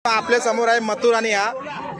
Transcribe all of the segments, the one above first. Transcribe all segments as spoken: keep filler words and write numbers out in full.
आपल्या समोर आहे मथुर आणि हा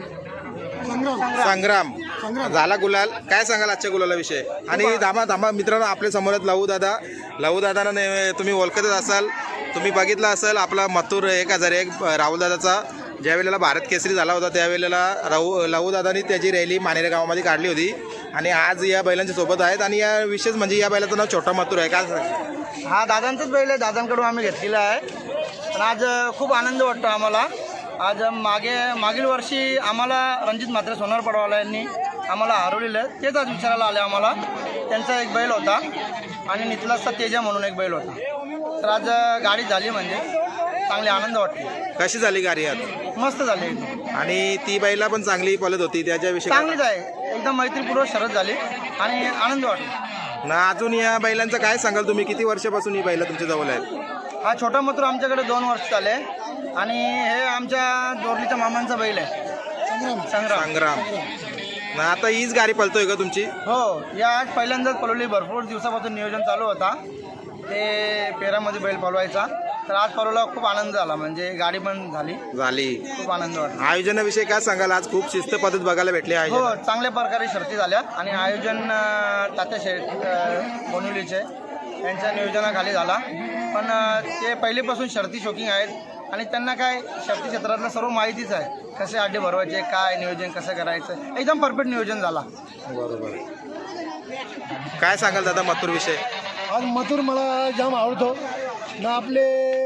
संग्राम झाला गुलाल. काय सांगाल आजच्या गुलाला विषय? आणि धामा धामा मित्रांनो, आपल्या समोर आहेत लहू दादा. लहू दादांना तुम्ही ओळखतच असाल, तुम्ही बघितला असाल आपला मथुर एक हजार एक राहुल दादाचा ज्या वेळेला भारत केसरी झाला होता त्यावेळेला राहू लहू दादांनी त्याची रॅली मानेरे गावामध्ये काढली होती. आणि आज या बैलांच्या सोबत आहेत. आणि या विशेष म्हणजे या बैलाचं नाव छोटा मथुर आहे. काय हा दादांचाच बैल आहे, दादांकडून आम्ही घेतलेला आहे. पण आज खूप आनंद वाटतो आम्हाला. आज मागे मागील वर्षी आम्हाला रणजित म्हात्रे सोनार पडवाला यांनी आम्हाला हरवलेलं, तेच आज विचारायला आले आम्हाला. त्यांचा एक बैल होता आणि नितलासचा तेजा म्हणून एक बैल होता. तर आज गाडी झाली म्हणजे चांगली आनंद वाटतो. कशी झाली गाडी आज? मस्त झाली. आणि ती बैला पण चांगली पळत होती, त्याच्याविषयी चांगलीच आहे, एकदम मैत्रीपूर्वक शरद झाली आणि आनंद वाटतो ना. अजून या बैलांचं काय सांगाल तुम्ही? किती वर्षापासून ही बैला तुमच्या जवळ आहेत? हा छोटा मथुर आमच्याकडे दोन वर्ष झाले आणि हे आमच्या दोरलीच्या मामांचा बैल आहे संग्राम. संग्राम ना. आता हीच गाडी पळतोय का तुमची? हो, या आज पहिल्यांदाच पळवली. भरपूर दिवसापासून नियोजन चालू होता ते पेरामध्ये बैल पळवायचा. तर आज पळवला, खूप आनंद झाला. म्हणजे गाडी पण झाली झाली खूप आनंद वाटला. आयोजनाविषयी काय सांगाल? आज खूप शिस्त पद्धत बघायला भेटली आहे. हो, चांगल्या प्रकारे शर्ती झाल्या आणि आयोजन अं, तात्या शेठ अं, बोनिवलीचे यांच्या नियोजनाखाली झाला. पण अं, ते पहिलेपासून शर्ती शौकिंग आहेत आणि त्यांना काय शर्ती क्षेत्रातलं सर्व माहितीच आहे, कसे अड्डे भरवायचे, काय नियोजन कसं करायचं, एकदम परफेक्ट नियोजन झाला. बरोबर. काय सांगाल दादा मथुर विषय? आज मथुर मला जाम आवडतो ना. आपले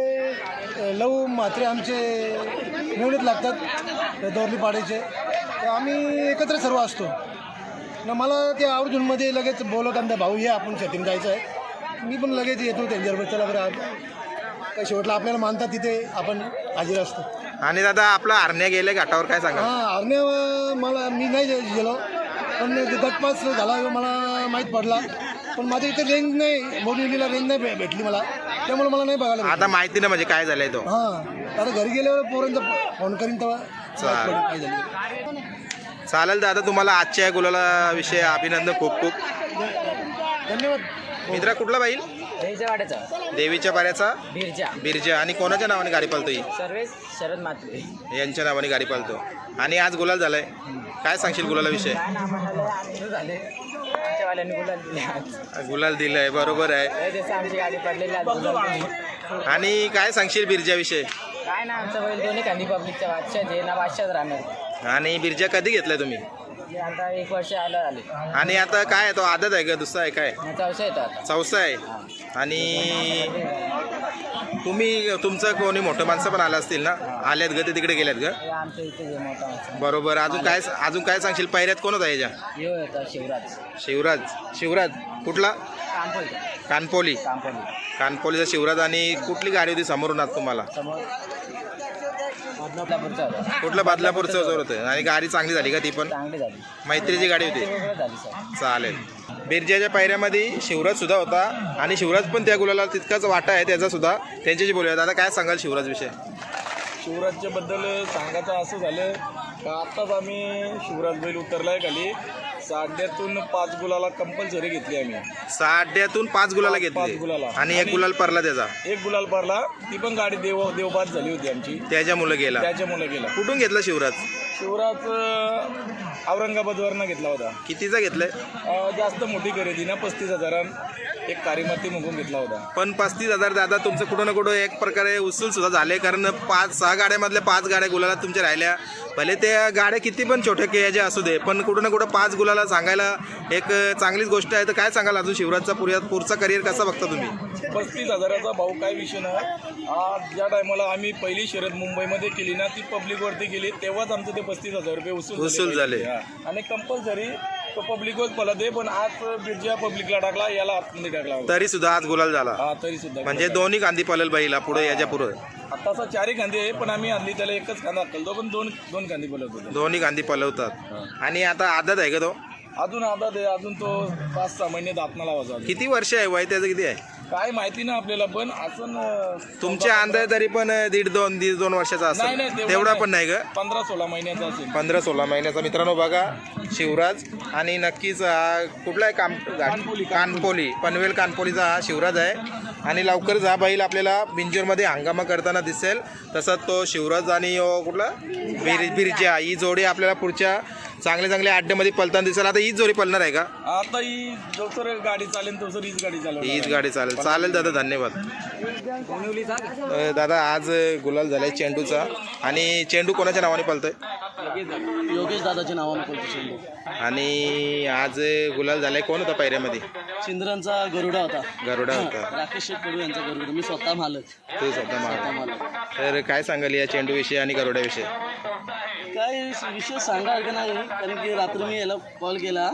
लव म्हात्रे आमचे निवडीत लागतात दोरली पाड्याचे, तर आम्ही एकत्र सर्व असतो ना. मला ते आवर्जूनमध्ये लगेच बोलत आमचा भाऊ ये आपण शेतीने जायचं आहे, मी पण लगेच येतो त्यांच्याबरोबर. चला बरं, काही शेवटला आपल्याला मानतात तिथे आपण हाजीर असतो. आणि दादा आपला हरण्या गेले घाटावर, काय सांगा? हां, हरण्या मला मी नाही गेलो, पण गटपास झाला मला माहीत पडला. पण माझ्या इथे रेंज नाही, मोडीला रेंज नाही भे भेटली मला, त्यामुळे मला नाही बघायला. आता माहिती नाही म्हणजे काय झालंय तो. हां, आता घरी गेल्यावर पोरांचा फोन करीन तेव्हा काय झालं. चालेल दादा, तुम्हाला आजच्या गुलाला विषय अभिनंदन खूप खूप धन्यवाद. मित्रा. कुठला बैल? देवीच्या वाड्याचा देवीच्या पाऱ्याचा बिरजा बिरजा. आणि कोणाच्या नावाने गाडी पळतो ही? सर्वेस शरद म्हात्रे यांच्या नावाने गाडी पळतो. आणि आज गुलाल झालाय, काय सांगशील गुलाला विषय? काय नामाला आनंद झाले, आमच्या वाल्यांनी गुलाल दिले आज. गुलाल दिलाय, बरोबर आहे. लय दिवस आमची गाडी पडलेली आज गुलाल दिली. आणि काय सांगशील बिरजा विषय? काय ना, आमचा बैल दोन्ही कांदी पब्लिकच्या बादशाह जे ना बादशाच राहणार. आणि बिरजा कधी घेतलाय तुम्ही? ते आता एक वर्ष आलं आले. आणि आता काय आहे तो, आदत आहे का दुसरा आहे काय? याचा विषय येतो आता. चौसा आहे. आणि तुम्ही तुमचं कोणी मोठं माणसं पण आलं असतील ना? आल्यात ग ते तिकडे गेल्यात ग? हे आमच्या इथे जे मोठा माणूस. बरोबर. अजून काय अजून काय सांगशील? पहिल्यात कोण होता याच्या? यो येतो शिवराज शिवराज. शिवराज कुठला? कानपोली कानपोली. कानपोली कानपोलीचा शिवराज. आणि कुठली गाडी होती समोरून आज तुम्हाला? समोर बदलापूरचा होता. कुठलं? बदलापूरचं जोर होतं. आणि गाडी चांगली झाली का ती पण? चांगली झाली, मैत्रीची गाडी होती. वेगळं झाली सर. चालेल. बिरजाच्या पायऱ्यामध्ये शिवराज सुद्धा होता आणि शिवराज पण त्या गुलाला तितकाच वाटा आहे त्याचा सुद्धा. त्यांच्याशी बोलूया. दादा काय सांगाल शिवराज विषय? शिवराजच्या बद्दल सांगायचं असं झालं का आत्ताच आम्ही शिवराज बैल उतरलाय खाली. साड्यातून पाच गुलाला कंपल्सरी घेतली आम्ही. साड्यातून पाच गुलाला पाच घेतले गुलाला. आणि एक गुलाल परला त्याचा. एक गुलाल भरला, ती पण गाडी देव देवबाद झाली होती आमची, त्याच्या मुलं गेला. त्याच्यामुळे गेला. कुठून घेतला शिवराज? शिवराज अं, औरंगाबादवरनं घेतला होता. कितीचा घेतलाय? अं, जास्त मोठी खरेदी ना, पस्तीस हजारां एक कारीमाती मुगून घेतला होता. पण पस्तीस हजार दादा तुमचं कुठं ना कुठं एक प्रकारे उचल सुद्धा झाले. कारण पाच सहा गाड्यामधल्या पाच गाड्या गुलाला तुमच्या राहिल्या. भले त्या गाड्या किती पण छोट्या केयाच्या असू दे, पण कुठं ना कुठं पाच गुलाला सांगायला एक चांगलीच गोष्ट आहे. तर काय सांगाल अजून शिवराजचा पुऱ्या पुढचा करिअर कसा बघता तुम्ही? पस्तीस हजाराचा भाऊ काय विषय ना. आज ज्या टायमाला आम्ही पहिली शर्यत मुंबईमध्ये केली ना, ती पब्लिकवरती केली, तेव्हाच आमचं ते पस्तीस हजार रुपये उसूल उसूल झाले. हा. आणि कंपल्सरी तो पब्लिकवर पळत आहे. पण आज बिरजा पब्लिकला टाकला, याला आतमध्ये टाकला होता. तरी सुद्धा आज गुलाल झाला. हा, तरी सुद्धा म्हणजे दोन्ही कांदी पळेल बाईला पुढे याच्या पुढे. आता असं चारही कांदे आहे, पण आम्ही आणली त्याला एकच कांदा अक्कलतो, पण दोन दोन कांदे पळत होते. दोन्ही कांदी पलवतात. आणि आता आदत आहे का तो? अजून आता ते अजून तो पाच सहा महिने दातना लावायचा. किती वर्ष आहे वय त्याचं? किती आहे काय माहिती ना आपल्याला, पण असं तुमच्या अंदाज तरी पण दीड दोन दीड दोन वर्षाचा नाही, असेल. नाही, तेवढा पण नाही ग? पंधरा सोळा महिन्याचा असेल. पंधरा सोळा महिन्याचा. मित्रांनो बघा शिवराज. आणि नक्कीच हा कुठला आहे? काम कानपोली. कानपोली पनवेल कानपोलीचा हा शिवराज आहे. आणि लवकरच हा बैल आपल्याला बिंजोरमध्ये हंगामा करताना दिसेल. तसंच तो शिवराज आणि अं, कुठला बिर बिरजा ही जोडी आपल्याला पुढच्या चांगल्या चांगल्या अड्ड्यामध्ये पलताना दिसेल. आता हीच जोडी पलणार आहे का? आता ही जोसर गाडी चालेल तोसर हीच गाडी चालेल. हीच गाडी चालेल. चालेल दादा, धन्यवाद. अं, दादा आज गुलाल झालाय चेंडूचा आणि चेंडू कोणाच्या नावाने पलतोय? योगेश दादाच्या नावानं बोलतो चेंडू. आणि आज गुलाल झालाय. कोण होता पायऱ्यामध्ये? चिंद्रांचा गरुडा होता, गरुडा होता. राकेश शेठ कडू यांचा गरुडा. मी स्वतः मालक. तू स्वतः मार. तर काय सांगाल या चेंडूविषयी आणि गरुड्याविषयी? काय विषय सांगायचं नाही, कारण की रात्री मी याला कॉल केला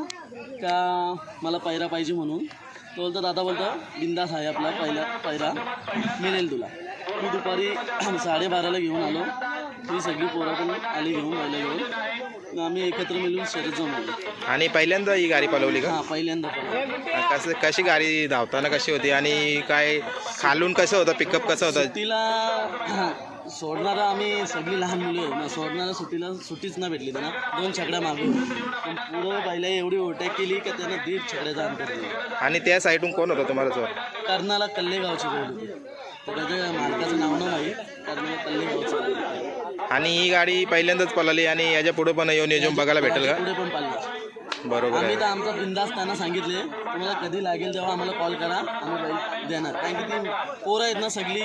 का मला पैरा पाहिजे म्हणून. तो बोलतो दादा बोलतो बिंदास आहे आपला पहिला पैरा मिळेल तुला. मी दुपारी साडेबाराला घेऊन आलो. ही सगळी पोरं पण आली घेऊन पहिला घेऊन आम्ही एकत्र मिळून शर्यत जमवली. आणि पहिल्यांदा ही गाडी पलवली का? हां पहिल्यांदा पण. कसं कशी गाडी धावताना कशी होती आणि काय खालून कसं होतं, पिकअप कसं होतं? सुट्टीला सोडणारा आम्ही सगळी लहान मुलं आहे ना, सोडणारा सुट्टीला सुट्टीच ना भेटली त्यांना. दोन छकड्या मागून पण पुढं पहिला एवढी ओटॅक केली का त्यांना दीड छकड्याचा अंतर दिला. आणि त्या साईडून कोण होतं तुम्हाला जोर? कर्नाला कल्लेगावची गोल होती. तर त्याच्या मालकाचं नाव नाही माहीत. कर्नाला कल्लेगावचं. आणि ही गाडी पहिल्यांदाच पळाली आणि याच्या पुढे पण येऊन येऊन बघायला भेटेल का? पुढे पण पाहिजे. बरोबर आम्ही आहे. तर आमचा बिंदास त्यांना सांगितले तुम्हाला कधी लागेल तेव्हा आम्हाला कॉल करा, आम्ही बैल देणार. कारण की ती पोरं आहेत ना सगळी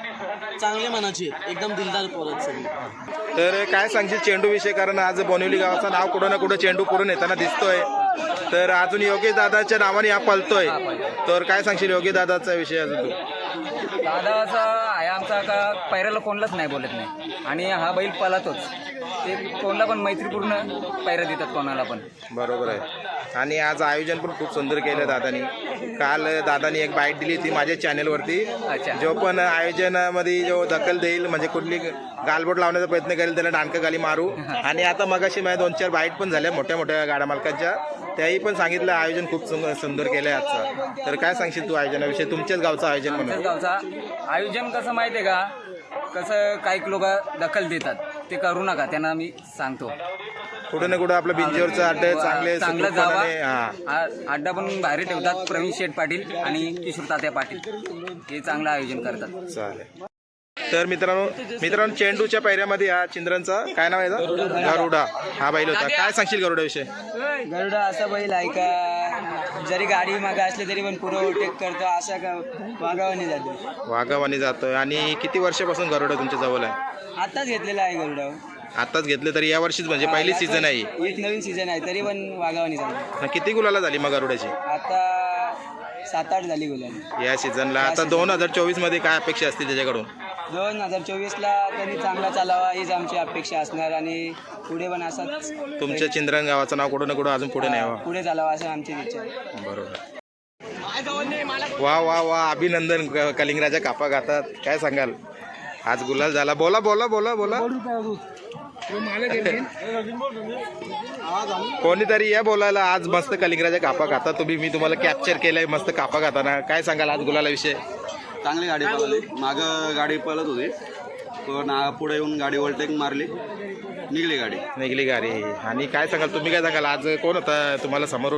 चांगली मनाची आहेत, एकदम दिलदार पोरं आहेत सगळी. तर काय सांगशील चेंडू विषय? कारण आज बोनिवली गावाचं नाव कुठं ना कुठं चेंडू पुढून येताना दिसतोय. तर अजून योगेश दादाच्या नावाने हा पळतोय. तर काय सांगशील योगेश दादाचा विषय अजून तू? दादा असा आहे आमचा का पैराला कोणलाच नाही बोलत नाही आणि हा बैल पळतोच. ते कोणाला पण मैत्रीपूर्ण पैरा देतात कोणाला पण. बरोबर आहे. आणि आज आयोजन पण खूप सुंदर केलं दादानी. काल दादानी एक बाईट दिली होती माझ्या चॅनेलवरती. अच्छा. जो पण आयोजनामध्ये जो दखल देईल म्हणजे कुठली गालबोट लावण्याचा प्रयत्न करेल त्याला डाणकाखाली मारू. आणि आता मगाशी माझ्या दोन चार बाईट पण झाल्या मोठ्या मोठ्या गाड्या मालकांच्या, त्याही पण सांगितलं आयोजन खूप सुं- सुंदर केलं आहे आजचं. तर काय सांगशील तू आयोजनाविषयी, तुमच्याच गावचं आयोजन आमच्याच म्हणून? गावचा आयोजन कसं माहिती आहे का, कसं काही लोक दखल देतात ते करू नका, त्यांना मी सांगतो. कुठं ना कुठं आपलं बिंजोरचं अड्डे चांगले चांगलं सुखरूपपणाने- जावा. हा आ- अड्डा पण बाहेर ठेवतात. प्रवीण शेठ पाटील आणि किशोर तात्या पाटील हे चांगलं आयोजन करतात. चालेल. तर मित्रांनो मित्रांनो चेंडूच्या पैऱ्यामध्ये हा चिंद्रांचा काय नाव आहे याचं? गरुडा हा बैल होता. काय सांगशील गरुडाविषयी? गरुडा असा बैल आहे का जरी गाडी मागे असली तरी पण पुढं ओटेक करतो, असा का वागावानी जातो. वाघावानी जातोय. आणि किती वर्षापासून गरुडा तुमच्या जवळ आहे? आताच घेतलेला आहे गरुडा. आताच घेतले तरी या वर्षीच म्हणजे पहिली सीझन आहे. एक नवीन सीझन आहे तरी पण वागावानी जातो. किती गुलाला झाली मग गरुडाची आता सात आठ झाली गुलाबी. या सीझनला? आता दोन हजार चोवीस मध्ये काय अपेक्षा असतील त्याच्याकडून? दोन हजार चोवीसला त्यांनी चांगला चालावा हीच आमची अपेक्षा असणार आणि पुढे पण असाच तुमच्या चिंद्रन गावाचं नाव कुठं ना कुठं अजून पुढे न्यावं. पुढे चालावा असं आमची इच्छा आहे. बरोबर. वा वा वा अभिनंदन. क- कलिंगराच्या कापा घातात. काय सांगाल? आज गुलाल झाला. बोला बोला बोला बोला कोणीतरी या बोलायला. आज मस्त कलिंगराच्या कापा घातात तुम्ही. मी तुम्हाला कॅप्चर केलंय मस्त कापा घाताना. काय सांगाल आज गुलाला विषय? चांगली गाडी पळाली. मागं गाडी पळत होती पण आ- पुढे येऊन गाडी ओव्हरटेक मारली, निघली गाडी. निघली गाडी. आणि काय सांगाल तुम्ही? काय सांगाल आज कोण होता तुम्हाला समोरून?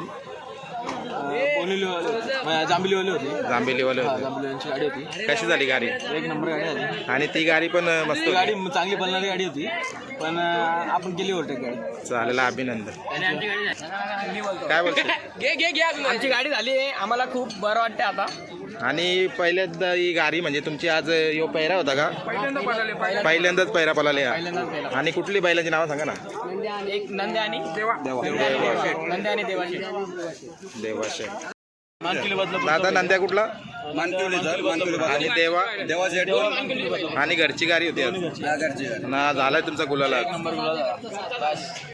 जांभलीवाली होती, जांभेलीवाले होते. जांभलीवाल्यांची गाडी होती. कशी झाली गाडी? एक नंबर गाडी होती. आणि ती गाडी पण मस्त ती गाडी होती. चांगली पळणारी गाडी होती पण आ, आपण केली ओव्हरटेक गाडी. चालेल अभिनंदन. काय बोलतो? आमची गाडी झाली आहे, आम्हाला खूप बरं वाटतं आता. आणि पहिल्यांदा ही गाडी म्हणजे तुमची आज यो पैरा होता का? पहिल्यांदाच पैरा पळाले. आणि कुठली बैलांची नावं सांगा ना. एक नंद्या आणि देवा नंद्या आणि देवाशी देवाशे. दादा नंद्या कुठला? आणि देवा देवाचे आणि घरची गाडी होती आज. ना झालाय तुमचा गुलाला.